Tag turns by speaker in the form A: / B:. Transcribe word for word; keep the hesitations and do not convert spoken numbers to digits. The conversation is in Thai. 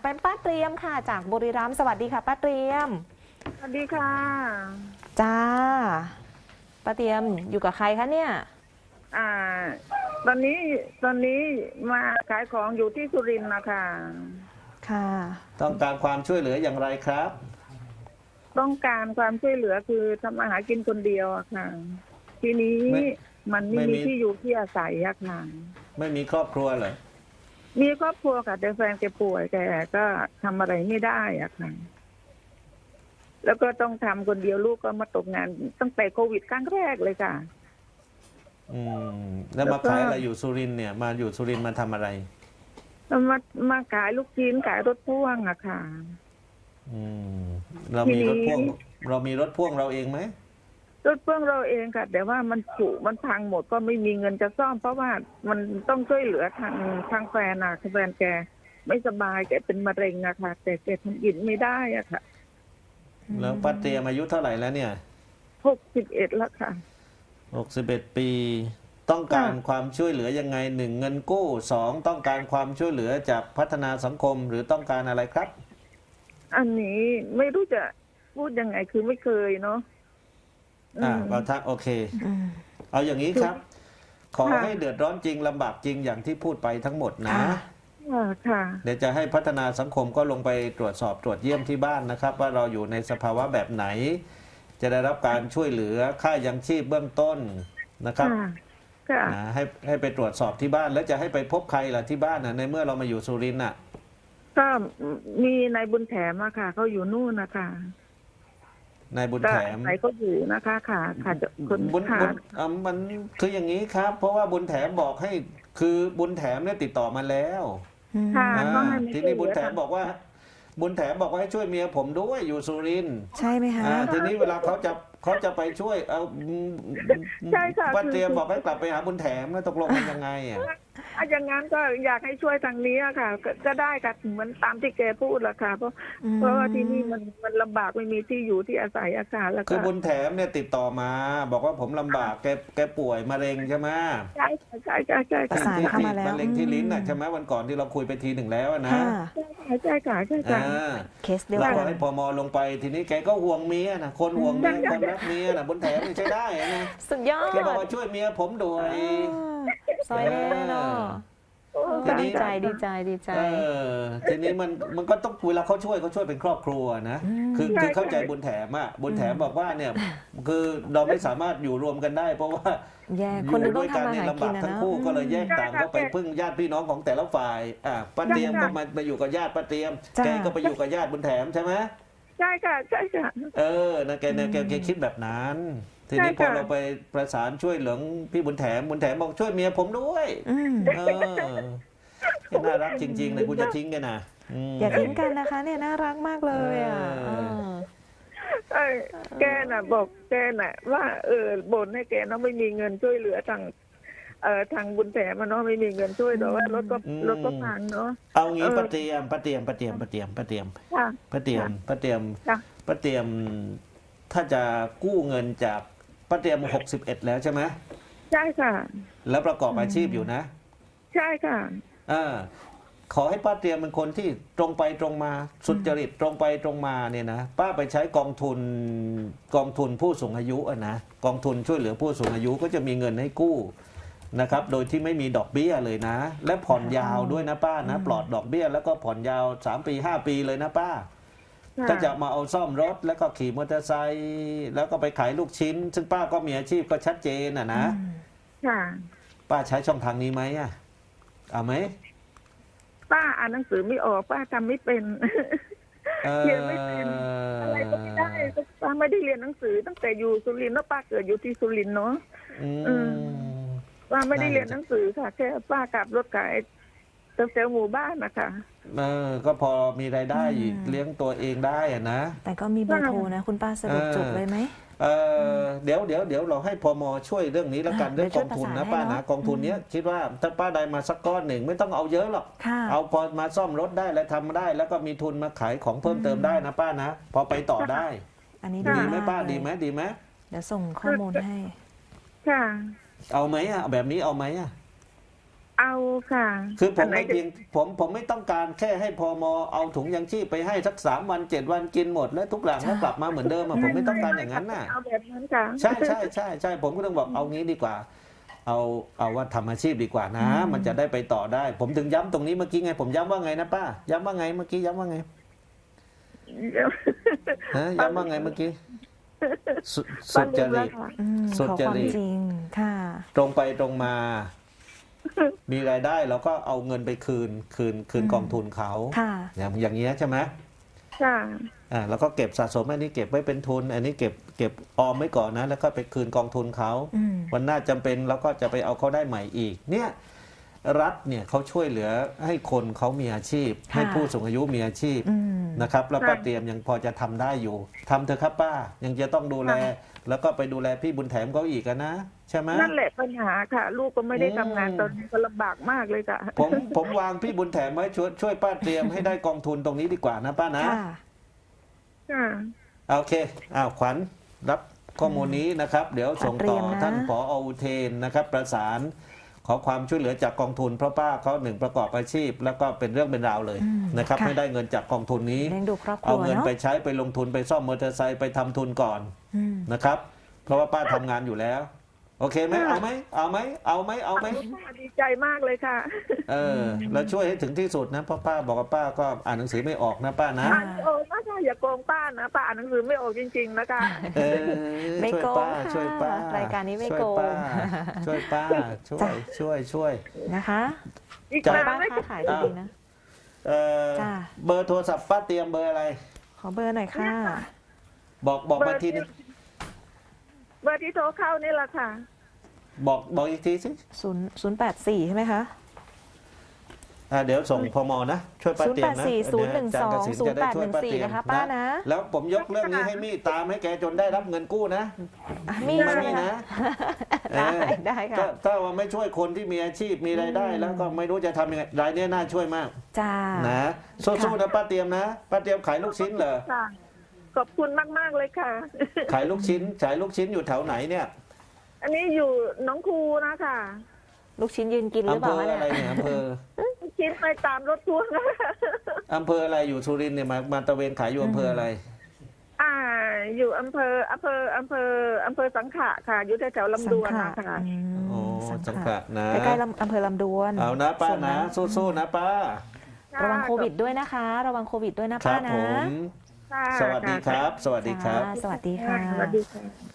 A: เป็นป้าเตรียมค่ะจากบุรีรัมย์สวัสดีค่ะป้าเตรียม
B: สวัสดีค่ะ
A: จ้าป้าเตรียมอยู่กับใครคะเนี่ย
B: อ่าตอนนี้ตอนนี้มาขายของอยู่ที่สุรินทร์นะคะ
A: ค่ะ
C: ต้องการความช่วยเหลืออย่างไรครับ
B: ต้องการความช่วยเหลือคือทำอาหารกินคนเดียวอะค่ะทีนี้มันไม่มีที่อยู่ที่อาศัยอะค่ะ
C: ไม่มีครอบครัวเหรอ
B: มีครอบครัวค่ะแต่แฟนแกป่วยแกก็ทำอะไรไม่ได้อะค่ะแล้วก็ต้องทำคนเดียวลูกก็มาตกงานตั้งแต่โควิดครั้งแรกเลยค่ะ
C: อืมแล้วมาขายอะไรอยู่สุรินทร์เนี่ยมาอยู่สุรินทร์มาทำอะไร
B: มามาขายลูกชิ้นขายรถพ่วงอะค่ะ
C: อืมเรามีรถพ่วงเรามีรถพ่วงเราเองไหม
B: รถพ่วงเราเองค่ะแต่ว่ามันผุมันพังหมดก็ไม่มีเงินจะซ่อมเพราะว่ามันต้องช่วยเหลือทางทางแฟนอะแฟนแกไม่สบายแกเป็นมะเร็งอะค่ะแต่แกทำกินไม่ได้อะค่ะ
C: แล้วป้าเตรียมอายุเท่าไหร่แล้วเนี่ย
B: หกสิบเอ็ดแล้วค่ะ
C: หกสิบเอ็ดปีต้องการความช่วยเหลือยังไงหนึ่งเงินกู้สองต้องการความช่วยเหลือจากพัฒนาสังคมหรือต้องการอะไรครับ
B: อันนี้ไม่รู้จะพูดยังไงคือไม่เคยเนาะ
C: อ่าเราทักโอเคเอาอย่างนี้ครับขอให้เดือดร้อนจริงลำบากจริงอย่างที่พูดไปทั้งหมดนะ
B: ค่ะ
C: เดี๋ยวจะให้พัฒนาสังคมก็ลงไปตรวจสอบตรวจเยี่ยมที่บ้านนะครับ ว่าเราอยู่ในสภาวะแบบไหนจะได้รับการช่วยเหลือค่ายังชีพเบื้องต้นนะครับนะให้ให้ไปตรวจสอบที่บ้านแล้วจะให้ไปพบใครล่ะที่บ้านนะในเมื่อเรามาอยู่สุรินทร์น่ะ
B: ก็มีนายบุญแถมอะค่ะเขาอยู่นู่นนะคะ
C: นายบุญแถม
B: ไหนก็อยู่นะคะค่ะค่ะ
C: บุญบุญอ่ามันคืออย่างนี้ครับเพราะว่าบุญแถมบอกให้คือบุญแถมเนี่ยติดต่อมาแล้วทีนี้บุญแถมบอกว่าบุญแถมบอกว่าให้ช่วยเมียผมด้วยอยู่สุรินทร์
A: ใช่ไหมคะ
C: ทีนี้เวลาเขาจะเขาจะไปช่วยเอา
B: ใช่ค่ะ
C: ป้าเตรียมบอกให้กลับไปหาบุญแถมแล้วตกลงกันยังไงอ่ะ
B: อย่างนั้นก็อยากให้ช่วยทางนี้ค่ะก็ได้ค่ะเหมือนตามที่แกพูดแหละค่ะเพราะเพราะว่าที่นี่มันมันลำบากไม่มีที่อยู่ที่อาศัยอากาศแล้วก็
C: คือบุญแถมเนี่ยติดต่อมาบอกว่าผมลำบากแกแกป่วยมะเร็งใช่ไหม
B: ใช่ใช่ใช่ใช่
A: ประสานเข้ามาแล้ว
C: มะเร็งที่ลิ้นน่ะใช่ไหมวันก่อนที่เราคุยไปทีหนึ่งแล้วนะ
B: ใช่ใช่ค่ะใช่ค่ะ
A: เคสเดียว
C: กัน
A: เรา
C: ให้พมลงไปทีนี้แกก็ห่วงเมียนะคนห่วงเมียคนรักเมียนะบุญแถมนี่ใช้ได้นะ
A: สุดยอด
C: แกบอกว่าช่วยเมียผมด้วย
A: ซอยแน่เนาะดีใจดีใจดีใจ
C: ทีนี้มันมันก็ต้องเวลาเขาช่วยเขาช่วยเป็นครอบครัวนะคือคือเข้าใจบุญแถมอ่ะบุญแถมบอกว่าเนี่ยคือเราไม่สามารถอยู่รวมกันได้เพราะว่า
A: อยู่ด้วยกัน
C: เนี่ยลำบากทั้งคู่ก็เลยแยกต่างก็ไปพึ่งญาติพี่น้องของแต่ละฝ่ายอ่ะป้าเตรียมก็มาไปอยู่กับญาติป้าเตรียมแกก็ไปอยู่กับญาติบุญแถมใช่ไหม
B: ใช่ค่ะใช่ค่ะ
C: เออนะแกเนี่ยแกแกคิดแบบนั้นทีนี้พอเราไปประสานช่วยเหลือพี่บุญแถมบุญแถมบอกช่วยเมียผมด้วยเออน่ารักจริงๆเลยคุณจะทิ้งกันนะ
A: อย่าทิ้งกันนะคะเนี่ยน่ารักมากเลยอ่ะ
B: แกน่ะบอกแกน่ะว่าเออบ่นให้แกเนาะไม่มีเงินช่วยเหลือทางเอ่อทางบุญแถมมันเนาะไม่มีเงินช่วยแต่ว่ารถก็รถก็พังเนาะ
C: เอางี้ป้าเตรียมป้าเตรียมป้าเตรียมป้าเตรียมป้าเตรียมป้าเตรียมป้าเตรียมป้าเตรียมถ้าจะกู้เงินจากป้าเตรียมหกสิบเอ็ดแล้วใช่ไหม
B: ใช่ค่ะ
C: แล้วประกอบอาชีพอยู่นะ
B: ใช่ค่ะ
C: อ่าขอให้ป้าเตรียมเป็นคนที่ตรงไปตรงมาสุจริตตรงไปตรงมาเนี่ยนะป้าไปใช้กองทุนกองทุนผู้สูงอายุอ่ะนะกองทุนช่วยเหลือผู้สูงอายุก็จะมีเงินให้กู้นะครับโดยที่ไม่มีดอกเบี้ยเลยนะและผ่อนยาวด้วยนะป้านะปลอดดอกเบี้ยแล้วก็ผ่อนยาวสามปีห้าปีเลยนะป้าถ้าจะมาเอาซ่อมรถแล้วก็ขี่มอเตอร์ไซค์แล้วก็ไปขายลูกชิ้นซึ่งป้าก็มีอาชีพก็ชัดเจนอ่ะนะป้าใช้ช่องทางนี้ไหมอ่ะเอาไหม
B: ป้าอ่านหนังสือไม่ออกป้าทำไม่เป็นเรียนไม่เป็นอะไรก็ไม่ได้ป้าไม่ได้เรียนหนังสือตั้งแต่อยู่สุรินทร์แล้วป้าเกิดอยู่ที่สุรินทร์เนาะป้าไม่ได้เรียนหนังสือค่ะแค่ป้าขับรถขายเซลล์หมู่บ้านนะคะ
C: เออก็พอมีรายได้เลี้ยงตัวเองได้อะนะ
A: แต่ก็มีเบอร์โทรนะคุณป้าสะดวกจดเลยไหม
C: เออเดี๋ยวเดี๋ยวเดี๋ยวเราให้พมช่วยเรื่องนี้แล้วกันเรื่องกองทุนนะป้านะกองทุนเนี้ยคิดว่าถ้าป้าได้มาสักก้อนหนึ่งไม่ต้องเอาเยอะหรอกเอาพอมาซ่อมรถได้แล้วทำได้แล้วก็มีทุนมาขายของเพิ่มเติมได้นะป้านะพอไปต่อได้
A: อันนี้
C: ดีไหมป้าดีไหมดีไหม
A: เดี๋ยวส่งข้อมูลให้
B: ค่ะ
C: เอาไหมอ่ะแบบนี้เอาไหมอ่ะ
B: เอาค่ะ
C: คือผม
B: นไหน
C: ไม่
B: จะ
C: เพียงผมผมไม่ต้องการแค่ให้พมเอาถุงยังชีพไปให้สักสามวันเจ็ดวันกินหมดแล้วทุกหลังแล้วกลับมาเหมือนเดิมอะผมไม่ต้องการอย่างนั้นน่ะ
B: เอาแบบนั้นค่ะ
C: ใช่ใช่ใช่ใช่ผมก็ต้องบอกเอางี้ดีกว่า เอาเอาว่าทำอาชีพดีกว่านะ มันจะได้ไปต่อได้ ผมถึงย้ำตรงนี้เมื่อกี้ไง ผมย้ำว่าไงนะป้าย้ำว่าไงเมื่อกี้ย้ำว่าไงฮะย้ำว่าไงเมื่อกี้สุสุจริต
A: อืม
C: สุ
A: ขอ
C: จ
A: ความ
C: ริต
A: จริงค่ะ
C: ตรงไปตรงมา มีรายได้เราก็เอาเงินไปคืน คืนคืน
A: อืม
C: กองทุนเขา
A: ค่ะ
C: อย่างอย่างเงี้ยใช่ไหม
B: ค่ะ
C: อ่าแล้วก็เก็บสะสมอันนี้เก็บไว้เป็นทุน อันนี้เก็บเก็บออมไว้ก่อนนะ แล้วก็ไปคืนกองทุนเขา
A: อืม
C: วันหน้าจำเป็นเราก็จะไปเอาเขาได้ใหม่อีก เนี่ยรัฐเนี่ยเขาช่วยเหลือให้คนเขามีอาชีพ
A: ค่ะ
C: ให้ผู้สูงอายุมีอาชีพ
A: อืม
C: นะครับแล้วป้า
B: ค่ะ
C: เตรียมยังพอจะทำได้อยู่ทำเถอะครับป้ายังจะต้องดูแล แล้วก็ไปดูแลพี่บุญแถมเขาอีกอะนะใช่ไหม
B: นั่นแหละปัญหาค่ะ ลูกก็ไม่ได้
C: อืม
B: ทำงานตอนนี้ก็ลำบากมากเลยค่ะ
C: ผมผมวางพี่บุญแถมไว้ช่วยช่วยป้าเตรียมให้ได้กองทุนตรงนี้ดีกว่านะป้านะ
A: ค่ะ
B: ค่ะ
C: โอเคอ้าวขวัญรับข้อมูลนี้นะครับ เดี๋ยวส่งต่อ
A: เตรียมนะ
C: ท่านผออุเทนนะครับ ประสานขอความช่วยเหลือจากกองทุนเพราะป้าเขาหนึ่งประกอบอาชีพ แล้วก็เป็นเรื่องเป็นราวเลย
A: อืม
C: นะครับ
A: ค่ะ
C: ให้ได้เงินจากกองทุนนี้
A: เลี้ยงดูครอบครั
C: เอา
A: ว
C: เงิน
A: เนาะ
C: ไปใช้ไปลงทุนไปซ่อมมอเตอร์ไซค์ไปทำทุนก่อน
A: อืม
C: นะครับ เพราะว่าป้าทำงานอยู่แล้ว โอเคไหม
B: ค่ะ
C: เอาไหมเอาไหมเอาไหมเอาไหม
B: ดีใจมากเลยค่ะ
C: เออแล้วช่วยให้ถึงที่สุดนะเพราะป้าบอกว่าป้าก็อ่านหนังสือไม่ออกนะป้านะ
B: อ่านไม่ออกนะคะอย่าโกงป้านะป้าอ่านหนังสือไม่ออกจริง ๆ นะคะ
C: เออ
A: ไม่
C: ช่วย
A: โกง
C: ป้า
A: ค่ะ
C: ช่วยป้าร
A: ายการนี้ไม่
C: ช่วย
A: โกง
C: ป้าช่วยป้าช่วยช่วยช่วย
A: นะคะ
B: อีก
C: จ้ะ
B: นาน
A: ป้า
B: ไหม
A: ค้าขายดีๆนะ
C: เออ
A: จ้ะ
C: เบอร์โทรศัพท์ป้าเตรียมเบอร์อะไร
A: ขอเบอร์หน่อยค่ะ
C: บอกบอกมาทีนึง
B: เบอร์ที่โทรเข้านี่แหละค่ะ
C: บอกบอกอีกทีสิ
A: ศูนย์ศูนย์แปดสี่ใช่ไหมคะ
C: อ่าเดี๋ยวส่งพมนะ ช่วยป้าเตรียมนะ
A: ศูนย์แปดสี่
C: เดี๋ยวอาจารย์เกษมจะได้ช่วยป้าเตรียม
A: ศูนย์แปดหนึ่งสี่นะคะป้านะ
C: แล้วผมยกเรื่องนี้ให้มี่ตามให้แกจนได้รับเงินกู้นะ
A: อ่ะมี
C: ไม่
A: ใช่ไหม
C: มี
A: คะ
C: นะ
A: ได้
C: เออ
A: ได้ค่ะ
C: ถ้าถ้าว่าไม่ช่วยคนที่มีอาชีพมีรายได้
A: อืม
C: แล้วก็ไม่รู้จะทำยังไงรายเนี้ยน่าช่วยมาก
A: จ้า
C: นะสู้ๆนะป้าเตรียมนะป้าเตรียมขายลูกชิ้นเหรอ
B: ค่ะ ขอบคุณมาก ๆ เลยค่ะ
C: ขายลูกชิ้นขายลูกชิ้นอยู่แถวไหนเนี่ย
B: อันนี้อยู่หน้องครูนะคะ
A: ลูกชิ้นยืนกินหรือ
C: อำ
A: เป
C: เภ
A: ล่า
C: อ
A: คะ
C: อะไร
A: เนี่ย
C: เนี่ยอำเภอ
B: คิดไปตามรถทัวร์นะ
C: อำเภออะไรอยู่สุรินทร์เนี่ยมามาตระเวนขายอยู่อำเภออะไร
B: อ่า อยู่อำเภออำเภออำเภออำเภอสังขะค่ะ อยู่แถวๆลำดวน
A: สัง
B: นะ
A: ขะ
B: คะ
A: อืม
C: โอ้
A: สั
C: สั
A: ง
C: ง
A: ขะ
C: ขะนะ
A: ใกล้ๆลำอำเภอลำดวน
C: เอานะป้า
A: ส่ว
C: นะ สู้ๆนะป้า
A: ระวังโควิดด้วยนะคะ ระวังโควิดด้วยนะ
C: ครั
A: ป้า
C: บ
A: นะ
C: ผม
B: ค่ะ
C: สวัสดีครับ สวัสดีครับ
A: ค่ะสวัสดีค่ะ
B: สวัสดีค่ะ